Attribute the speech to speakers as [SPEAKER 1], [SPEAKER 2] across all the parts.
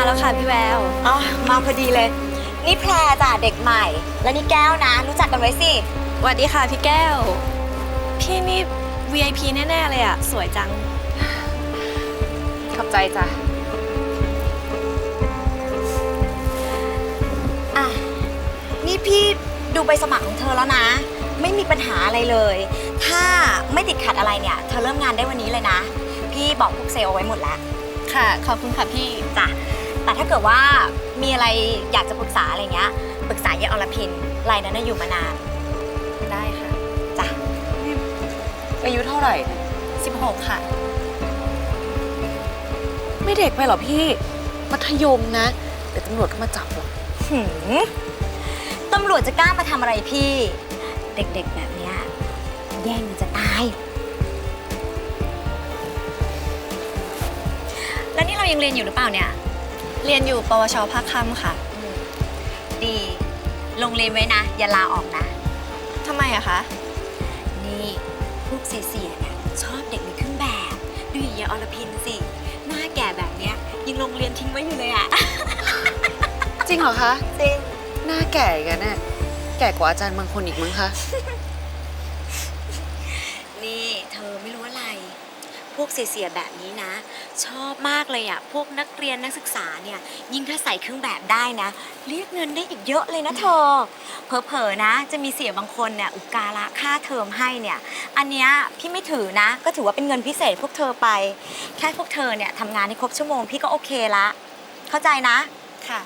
[SPEAKER 1] แล้วค่ะพี่แวว
[SPEAKER 2] อ๋อมาพอดีเลยนี่แพรจ้ะเด็กใหม่และนี่แก้วนะรู้จักกันไว้สิ
[SPEAKER 1] สวัสดีค่ะพี่แก้ว พี่นี่ VIP แน่ๆเลยอะสวยจัง
[SPEAKER 3] ขอบใจจ้ะ
[SPEAKER 2] อ่ะนี่พี่ดูใบสมัครของเธอแล้วนะ ไม่มีปัญหาอะไรเลย ถ้าไม่ติดขัดอะไรเนี่ยเธอเริ่มงานได้วันนี้เลยนะพี่บอกพวกเซลล์เอาไว้หมดแล้ว
[SPEAKER 1] ค่ะ ขอบคุณค่ะพี่
[SPEAKER 2] จ้ะแต่ถ้าเกิดว่ามีอะไรอยากจะปรึกษาอะไรเงี้ยปรึกษายายอรพินรายนั้นน่ะอยู่มานาน
[SPEAKER 1] ได้ค่ะ
[SPEAKER 2] จ้ะ
[SPEAKER 3] อายุเท่าไหร่
[SPEAKER 1] 16 ค่ะ
[SPEAKER 3] ไม่เด็กไปหรอพี่ มัธยมนะ เดี๋ยวตำรวจก็มาจับหรอก
[SPEAKER 2] หืมตำรวจจะกล้ามาทำอะไรพี่ เด็กๆแบบเนี้ยแย่งมันจะตาย แล้วนี่เรายังเรียนอยู่หรือเปล่าเนี่ย
[SPEAKER 1] เรียนอยู่ปวชภาคค่ำค่ะ
[SPEAKER 2] ดีลงเรียนไว้นะ อย่าลาออกนะ
[SPEAKER 1] ทำไมอะคะ
[SPEAKER 2] นี่พวกเสียๆเนี่ยชอบเด็กในเครื่องแบบดูอย่างยายอรพินสิ หน้าแก่แบบเนี้ยยังโรงเรียนทิ้งไว้อยู่เลยอะ
[SPEAKER 3] จริงเหรอคะ
[SPEAKER 2] จริง
[SPEAKER 3] หน้าแก่กันน่ะแก่กว่าอาจารย์บางคนอีกมั้งคะ
[SPEAKER 2] นี่เธอไม่รู้อะไร พวกเสียๆแบบนี้นะ ชอบมากเลยอะพวกนักเรียนนักศึกษาเนี่ยยิ่งถ้าใส่เครื่องแบบได้นะเรียกเงินได้อีกเยอะเลยนะเธอเผลอๆนะจะมีเสียบางคนเนี่ยอุปการะค่าเทอมให้เนี่ยอันเนี้ยพี่ไม่ถือนะก็ถือว่าเป็นเงินพิเศษพวกเธอไปแค่พวกเธอเนี่ยทำงานให้ครบชั่วโมงพี่ก็โอเคละเข้าใจนะ
[SPEAKER 1] ค่ะ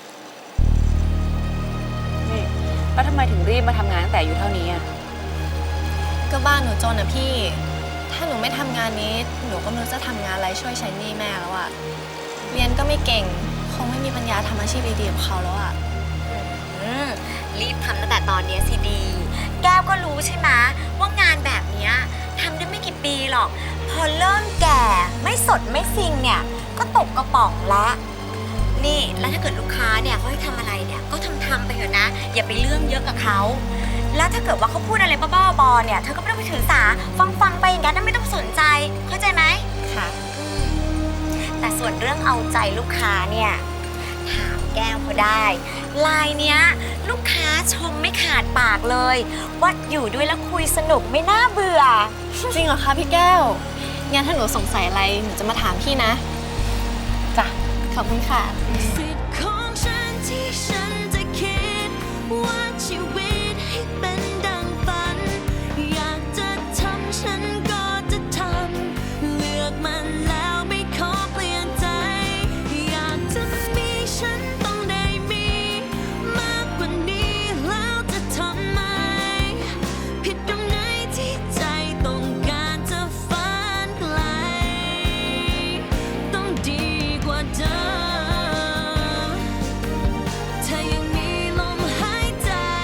[SPEAKER 3] นี่แล้วทำไมถึงรีบมาทำงานตั้งแต่อายุเท่านี้อ่ะ
[SPEAKER 1] ก็บ้านหนูจนอะพี่ ถ้าหนูไม่ทำงานนี้ หนูก็ไม่รู้จะทำงานอะไรช่วยใช้หนี้แม่แล้วอะเรียนก็ไม่เก่ง คงไม่มีปัญญาทำอาชีพดีๆกับเขาแล้วอะ
[SPEAKER 2] รีบทำตั้งแต่ตอนนี้สิดี แก้วก็รู้ใช่ไหมว่างานแบบเนี้ยทำได้ไม่กี่ปีหรอก พอเริ่มแก่ไม่สดไม่ซิงเนี่ยก็ตกกระป๋องละนี่แล้วถ้าเกิดลูกค้าเนี่ยเขาให้ทำอะไรเนี่ยก็ทำไปเถอะนะ อย่าไปเรื่องเยอะกับเขาแล้วถ้าเกิดว่าเขาพูดอะไรบ้าๆบอๆเนี่ยเธอก็ไม่ต้องไปถือสาฟังไปอย่างนั้นไม่ต้องสนใจเข้าใจไหม
[SPEAKER 1] ค่ะ
[SPEAKER 2] แต่ส่วนเรื่องเอาใจลูกค้าเนี่ยถามแก้วเขาได้ลายเนี้ยลูกค้าชมไม่ขาดปากเลยว่าอยู่ด้วยแล้วคุยสนุกไม่น่าเบื่อ
[SPEAKER 1] จริงเหรอคะพี่แก้ว งั้นถ้าหนูสงสัยอะไร หนูจะมาถามพี่นะ
[SPEAKER 3] จ้ะ
[SPEAKER 1] ขอบคุณค่ะ
[SPEAKER 4] สิทธิ์ของฉันที่ฉันจะคิดว่าชี